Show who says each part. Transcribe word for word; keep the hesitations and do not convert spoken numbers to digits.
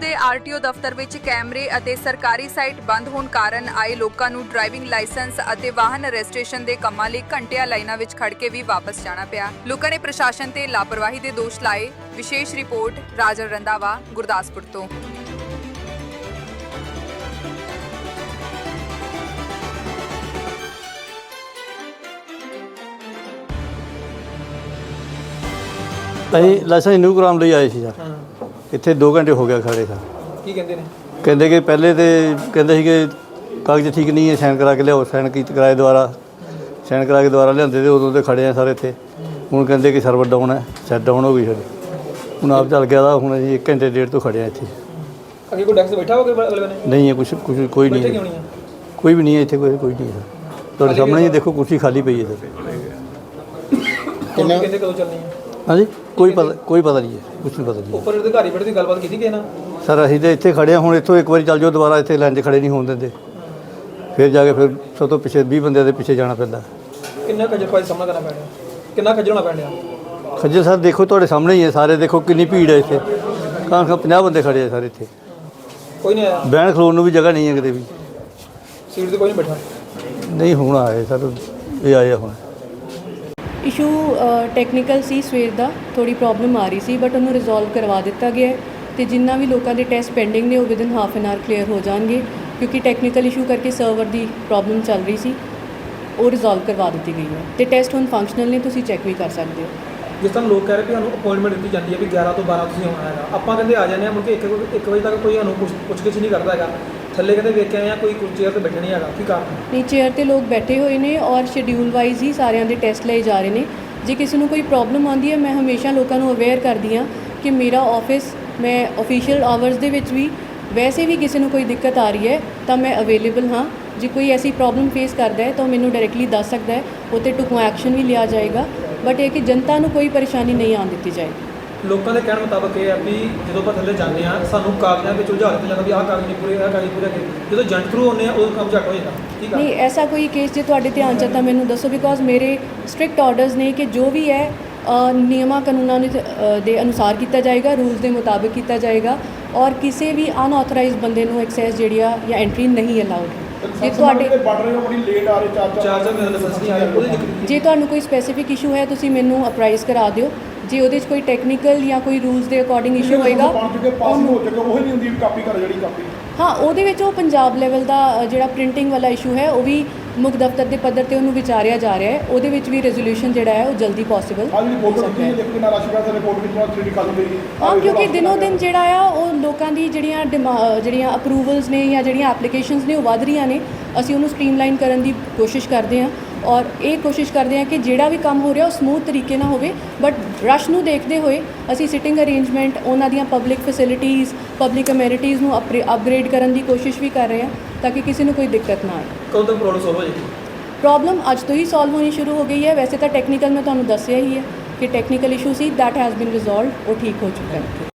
Speaker 1: ਦੇ ਆਰਟੀਓ ਦਫ਼ਤਰ ਵਿੱਚ ਕੈਮਰੇ ਅਤੇ ਸਰਕਾਰੀ ਸਾਈਟ ਬੰਦ ਹੋਣ ਕਾਰਨ ਆਏ ਲੋਕਾਂ ਨੂੰ ਡਰਾਈਵਿੰਗ ਲਾਇਸੈਂਸ ਅਤੇ ਵਾਹਨ ਰਜਿਸਟ੍ਰੇਸ਼ਨ ਦੇ ਕੰਮਾਂ ਲਈ ਘੰਟਿਆਂ ਲਾਈਨਾਂ ਵਿੱਚ ਖੜ ਕੇ ਵੀ ਵਾਪਸ ਜਾਣਾ ਪਿਆ। ਲੋਕਾਂ ਨੇ ਪ੍ਰਸ਼ਾਸਨ ਤੇ ਲਾਪਰਵਾਹੀ ਦੇ ਦੋਸ਼ ਲਾਏ। ਵਿਸ਼ੇਸ਼ ਰਿਪੋਰਟ ਰਾਜਨ ਰੰਧਾਵਾ, ਗੁਰਦਾਸਪੁਰ ਤੋਂ।
Speaker 2: ਅਸੀਂ ਲਾਇਸੈਂਸ ਰਿਨਿਊ ਕਰਾਉਣ ਲਈ ਆਏ ਸੀ ਸਰ। ਇੱਥੇ ਦੋ ਘੰਟੇ ਹੋ ਗਿਆ ਖੜੇ ਸਰ।
Speaker 3: ਕੀ ਕਹਿੰਦੇ ਨੇ? ਕਹਿੰਦੇ
Speaker 2: ਕਿ ਪਹਿਲੇ ਤੇ ਕਹਿੰਦੇ ਸੀ ਕਿ ਕਾਗਜ਼ ਠੀਕ ਨਹੀਂ ਹੈ, ਸਾਈਨ ਕਰਾ ਕੇ ਲਿਆਓ। ਸਾਈਨ ਕੀਤੇ ਕਿਰਾਏ ਦੁਆਰਾ ਸਾਈਨ ਕਰਾ ਕੇ ਦੁਆਰਾ ਲਿਆਂਦੇ ਤੇ ਉਦੋਂ ਤੇ ਖੜੇ ਆ ਸਰ ਇੱਥੇ। ਹੁਣ ਕਹਿੰਦੇ ਕਿ ਸਰਵਰ ਡਾਊਨ ਹੈ, ਸੈਟ ਡਾਊਨ ਹੋ ਗਈ ਸਾਡੀ। ਹੁਣ ਆਪ ਚੱਲ ਗਿਆ ਦਾ ਹੁਣ ਅਸੀਂ ਇੱਕ ਘੰਟੇ ਡੇਢ ਤੋਂ ਖੜੇ ਆ ਇੱਥੇ।
Speaker 3: ਅੱਗੇ ਕੋਈ ਡੈਕਸ ਬੈਠਾ ਹੋਗਾ ਅਗਲੇ ਨੇ?
Speaker 2: ਨਹੀਂ ਹੈ, ਕੁਛ ਕੁਛ ਕੋਈ ਨਹੀਂ
Speaker 3: ਕਿਉਂ ਨਹੀਂ ਹੈ?
Speaker 2: ਕੋਈ ਵੀ ਨਹੀਂ ਹੈ ਇੱਥੇ, ਕੋਈ ਕੋਈ ਨਹੀਂ ਹੈ। ਤੁਹਾਡੇ ਸਾਹਮਣੇ ਹੀ ਦੇਖੋ, ਕੁਰਸੀ ਖਾਲੀ ਪਈ ਹੈ ਸਰ।
Speaker 3: ਕਿੰਨੇ ਕਹਿੰਦੇ ਕਦੋਂ ਚੱਲਣੀ ਹੈ?
Speaker 2: ਹਾਂਜੀ, ਕੋਈ ਪਤਾ ਕੋਈ ਪਤਾ ਨਹੀਂ ਹੈ, ਕੁਛ ਨਹੀਂ ਪਤਾ ਨਹੀਂ
Speaker 3: ਉੱਪਰ ਅਧਿਕਾਰੀ ਬੈਠੇ ਦੀ ਗੱਲਬਾਤ ਕੀਤੀ ਕਿਸੇ ਨਾਲ?
Speaker 2: ਸਰ ਅਸੀਂ ਤਾਂ ਇੱਥੇ ਖੜੇ ਹਾਂ। ਹੁਣ ਇੱਥੋਂ ਇੱਕ ਵਾਰੀ ਚੱਲ ਜਾਓ, ਦੁਬਾਰਾ ਇੱਥੇ ਲਾਈਨ 'ਚ ਖੜੇ ਨਹੀਂ ਹੋਣ ਦਿੰਦੇ। ਫਿਰ ਜਾ ਕੇ ਫਿਰ ਸਭ ਤੋਂ ਪਿੱਛੇ ਵੀਹ ਬੰਦਿਆਂ ਦੇ ਪਿੱਛੇ ਜਾਣਾ ਪੈਂਦਾ।
Speaker 3: ਕਿੰਨਾ ਖੱਜਲ ਖੁਆਰੀ ਸਾਹਮਣਾ ਕਰਨਾ ਪੈਣਾ? ਕਿੰਨਾ ਖੱਜਲ ਹੋਣਾ ਪੈਣਾ?
Speaker 2: ਖੱਜਲ ਸਰ ਦੇਖੋ, ਤੁਹਾਡੇ ਸਾਹਮਣੇ ਹੀ ਹੈ ਸਾਰੇ। ਦੇਖੋ ਕਿੰਨੀ ਭੀੜ ਹੈ ਇੱਥੇ। ਕਾਂ ਖਾਂ ਪੰਜਾਹ ਬੰਦੇ ਖੜੇ ਆ ਸਰ ਇੱਥੇ।
Speaker 3: ਕੋਈ ਨਹੀਂ ਆਇਆ?
Speaker 2: ਬਹਿਣ ਖਲੋਣ ਨੂੰ ਵੀ ਜਗ੍ਹਾ ਨਹੀਂ ਹੈ ਕਿਤੇ ਵੀ।
Speaker 3: ਸੀਟ ਤੇ ਕੋਈ ਨਹੀਂ ਬੈਠਾ?
Speaker 2: ਨਹੀਂ, ਹੁਣ ਆਏ ਸਰ, ਇਹ ਆਏ ਆ ਹੁਣ।
Speaker 4: ਇਸ਼ੂ ਟੈਕਨੀਕਲ ਸੀ, ਸਵੇਰ ਦਾ ਥੋੜੀ ਪ੍ਰੋਬਲਮ ਆ ਰਹੀ ਸੀ, ਬਟ ਉਹਨੂੰ ਰਿਜ਼ੋਲਵ ਕਰਵਾ ਦਿੱਤਾ ਗਿਆ ਹੈ ਤੇ ਜਿੰਨਾ ਵੀ ਲੋਕਾਂ ਦੇ ਟੈਸਟ ਪੈਂਡਿੰਗ ਨੇ ਉਹ within half N R clear ਹੋ ਜਾਣਗੇ, ਕਿਉਂਕਿ ਟੈਕਨੀਕਲ ਇਸ਼ੂ ਕਰਕੇ ਸਰਵਰ ਦੀ ਪ੍ਰੋਬਲਮ ਚੱਲ ਰਹੀ ਸੀ। ਉਹ ਰਿਜ਼ੋਲਵ ਕਰਵਾ ਦਿੱਤੀ ਗਈ ਹੈ ਤੇ ਟੈਸਟ ਹੁਣ ਫੰਕਸ਼ਨਲ ਨੇ, ਤੁਸੀਂ ਚੈੱਕ ਵੀ ਕਰ ਸਕਦੇ ਹੋ।
Speaker 3: ਜਿਸ ਤਰ੍ਹਾਂ ਲੋਕ ਕਹਿ ਰਹੇ ਕਿ ਸਾਨੂੰ ਅਪਾਇੰਟਮੈਂਟ ਦਿੱਤੀ ਜਾਂਦੀ ਹੈ ਵੀ ਗਿਆਰਾਂ ਤੋਂ ਬਾਰਾਂ ਤੁਸੀਂ ਆਉਣਾ ਹੈਗਾ, ਆਪਾਂ ਕਹਿੰਦੇ ਆ ਜਾਂਦੇ ਹਾਂ, ਮੁੜ ਕੇ ਇੱਕ ਇੱਕ ਵਜੇ ਤੱਕ ਕੋਈ ਸਾਨੂੰ ਪੁੱਛ ਪੁੱਛ ਗਿੱਛ ਨਹੀਂ ਕਰਦਾ ਹੈਗਾ। ਥੱਲੇ ਕਹਿੰਦੇ ਵੇਖ ਕੇ ਆਏ ਆ, ਕੋਈ ਚੇਅਰ 'ਤੇ ਬੈਠਾ ਨਹੀਂ ਹੈਗਾ, ਕੀ ਕਾਰਨ?
Speaker 4: ਨਹੀਂ, ਚੇਅਰ 'ਤੇ ਲੋਕ ਬੈਠੇ ਹੋਏ ਨੇ ਔਰ ਸ਼ਡਿਊਲ ਵਾਈਜ਼ ਹੀ ਸਾਰਿਆਂ ਦੇ ਟੈਸਟ ਲਏ ਜਾ ਰਹੇ ਨੇ। ਜੇ ਕਿਸੇ ਨੂੰ ਕੋਈ ਪ੍ਰੋਬਲਮ ਆਉਂਦੀ ਹੈ, ਮੈਂ ਹਮੇਸ਼ਾ ਲੋਕਾਂ ਨੂੰ ਅਵੇਅਰ ਕਰਦੀ ਹਾਂ ਕਿ ਮੇਰਾ ਆਫਿਸ, ਮੈਂ ਆਫੀਸ਼ੀਅਲ ਆਵਰਸ ਦੇ ਵਿੱਚ ਵੀ ਵੈਸੇ ਵੀ ਕਿਸੇ ਨੂੰ ਕੋਈ ਦਿੱਕਤ ਆ ਰਹੀ ਹੈ ਤਾਂ ਮੈਂ ਅਵੇਲੇਬਲ ਹਾਂ। ਜੇ ਕੋਈ ਐਸੀ ਪ੍ਰੋਬਲਮ ਫੇਸ ਕਰਦਾ ਹੈ ਤਾਂ ਮੈਨੂੰ ਡਾਇਰੈਕਟਲੀ ਦੱਸ ਸਕਦਾ ਹੈ, ਉਹ 'ਤੇ ਢੁਕਵਾਂ ਐਕਸ਼ਨ ਵੀ ਲਿਆ ਜਾਏਗਾ। ਬਟ ਇਹ ਕਿ ਜਨਤਾ ਨੂੰ ਕੋਈ ਪਰੇਸ਼ਾਨੀ ਨਹੀਂ ਆਉਣ ਦਿੱਤੀ ਜਾਏਗੀ।
Speaker 3: ਲੋਕਾਂ ਦੇ ਕਹਿਣ ਮੁਤਾਬਕ ਇਹ ਹੈ ਵੀ ਜਦੋਂ ਆਪਾਂ ਥੱਲੇ ਜਾਂਦੇ ਹਾਂ ਸਾਨੂੰ ਕਾਗਜ਼ਾਂ ਵਿੱਚ ਉਲਝਾ ਦਿੱਤਾ ਜਾਂਦਾ ਵੀ ਆਹ ਕਾਗਜ਼ ਨਹੀਂ ਪੂਰੇ, ਆਹ ਕਾਗਜ਼ ਪੂਰੇ ਕਰੇ। ਜਦੋਂ ਏਜੰਟ ਥਰੂ ਆਉਂਦੇ ਆ ਉਦੋਂ ਕੰਮ ਝੱਟ ਹੋ ਜਾਂਦਾ। ਠੀਕ ਹੈ?
Speaker 4: ਨਹੀਂ, ਐਸਾ ਕੋਈ ਕੇਸ ਜੇ ਤੁਹਾਡੇ ਧਿਆਨ 'ਚ ਤਾਂ ਮੈਨੂੰ ਦੱਸੋ, ਬਿਕੋਜ਼ ਮੇਰੇ ਸਟ੍ਰਿਕਟ ਆਰਡਰਸ ਨੇ ਕਿ ਜੋ ਵੀ ਹੈ ਨਿਯਮਾਂ ਕਾਨੂੰਨਾਂ ਦੇ ਅਨੁਸਾਰ ਕੀਤਾ ਜਾਏਗਾ, ਰੂਲਸ ਦੇ ਮੁਤਾਬਿਕ ਕੀਤਾ ਜਾਏਗਾ ਔਰ ਕਿਸੇ ਵੀ ਅਨਆਥੋਰਾਈਜ਼ਡ ਬੰਦੇ ਨੂੰ ਐਕਸੈਸ ਜਿਹੜੀ ਆ ਜਾਂ ਐਂਟਰੀ ਨਹੀਂ ਅਲਾਉਡ। ਜੇ ਤੁਹਾਡੇ
Speaker 3: ਚਾਰ ਚਾਰ ਮੇਰੇ ਲਾਇਸੈਂਸ ਨਹੀਂ ਆਇਆ, ਉਹਦੀ ਦਿੱਕਤ?
Speaker 4: ਜੇ ਤੁਹਾਨੂੰ ਕੋਈ ਸਪੈਸੀਫਿਕ ਇਸ਼ੂ ਹੈ ਤੁਸੀਂ ਮੈਨੂੰ ਅਪਰਾਈਜ਼ ਕਰਾ ਦਿਓ। ਜੇ ਉਹਦੇ 'ਚ ਕੋਈ ਟੈਕਨੀਕਲ ਜਾਂ ਕੋਈ ਰੂਲਸ ਦੇ ਅਕੋਰਡਿੰਗ ਇਸ਼ੂ ਹੋਏਗਾ, ਹਾਂ, ਉਹਦੇ ਵਿੱਚ ਉਹ ਪੰਜਾਬ ਲੈਵਲ ਦਾ ਜਿਹੜਾ ਪ੍ਰਿੰਟਿੰਗ ਵਾਲਾ ਇਸ਼ੂ ਹੈ ਉਹ ਵੀ ਮੁੱਖ ਦਫ਼ਤਰ ਦੇ ਪੱਧਰ 'ਤੇ ਉਹਨੂੰ ਵਿਚਾਰਿਆ ਜਾ ਰਿਹਾ ਹੈ। ਉਹਦੇ ਵਿੱਚ ਵੀ ਰੈਜ਼ੋਲੂਸ਼ਨ ਜਿਹੜਾ ਹੈ ਉਹ ਜਲਦੀ ਪੋਸੀਬਲ ਹਾਂ, ਕਿਉਂਕਿ ਦਿਨੋਂ ਦਿਨ ਜਿਹੜਾ ਆ ਉਹ ਲੋਕਾਂ ਦੀ ਜਿਹੜੀਆਂ ਡਿਮਾ ਜਿਹੜੀਆਂ ਅਪਰੂਵਲਸ ਨੇ ਜਾਂ ਜਿਹੜੀਆਂ ਐਪਲੀਕੇਸ਼ਨਸ ਨੇ ਉਹ ਵੱਧ ਰਹੀਆਂ ਨੇ। ਅਸੀਂ ਉਹਨੂੰ ਸਟ੍ਰੀਮਲਾਈਨ ਕਰਨ ਦੀ ਕੋਸ਼ਿਸ਼ ਕਰਦੇ ਹਾਂ ਔਰ ਇਹ ਕੋਸ਼ਿਸ਼ ਕਰਦੇ ਹਾਂ ਕਿ ਜਿਹੜਾ ਵੀ ਕੰਮ ਹੋ ਰਿਹਾ ਉਹ ਸਮੂਥ ਤਰੀਕੇ ਨਾਲ ਹੋਵੇ। ਬਟ ਰਸ਼ ਨੂੰ ਦੇਖਦੇ ਹੋਏ ਅਸੀਂ ਸਿਟਿੰਗ ਅਰੇਂਜਮੈਂਟ, ਉਹਨਾਂ ਦੀਆਂ ਪਬਲਿਕ ਫੈਸਿਲਿਟੀਜ਼, ਪਬਲਿਕ ਅਮੈਨਿਟੀਜ਼ ਨੂੰ ਅਪਗ੍ਰੇਡ ਕਰਨ ਦੀ ਕੋਸ਼ਿਸ਼ ਵੀ ਕਰ ਰਹੇ ਹਾਂ ਤਾਂ ਕਿ ਕਿਸੇ ਨੂੰ ਕੋਈ ਦਿੱਕਤ ਨਾ ਆਏ।
Speaker 3: ਕਦੋਂ ਤੱਕ ਪ੍ਰੋਬਲਮ ਸੋਲਵ ਹੋ ਜਾਏਗੀ?
Speaker 4: ਪ੍ਰੋਬਲਮ ਅੱਜ ਤੋਂ ਹੀ ਸੋਲਵ ਹੋਣੀ ਸ਼ੁਰੂ ਹੋ ਗਈ ਹੈ। ਵੈਸੇ ਤਾਂ ਟੈਕਨੀਕਲ ਮੈਂ ਤੁਹਾਨੂੰ ਦੱਸਿਆ ਹੀ ਹੈ ਕਿ ਟੈਕਨੀਕਲ ਇਸ਼ੂ ਸੀ, ਦੈਟ ਹੈਜ਼ ਬੀਨ ਰਿਜ਼ੋਲਵਡ, ਉਹ ਠੀਕ ਹੋ ਚੁੱਕਾ ਹੈ।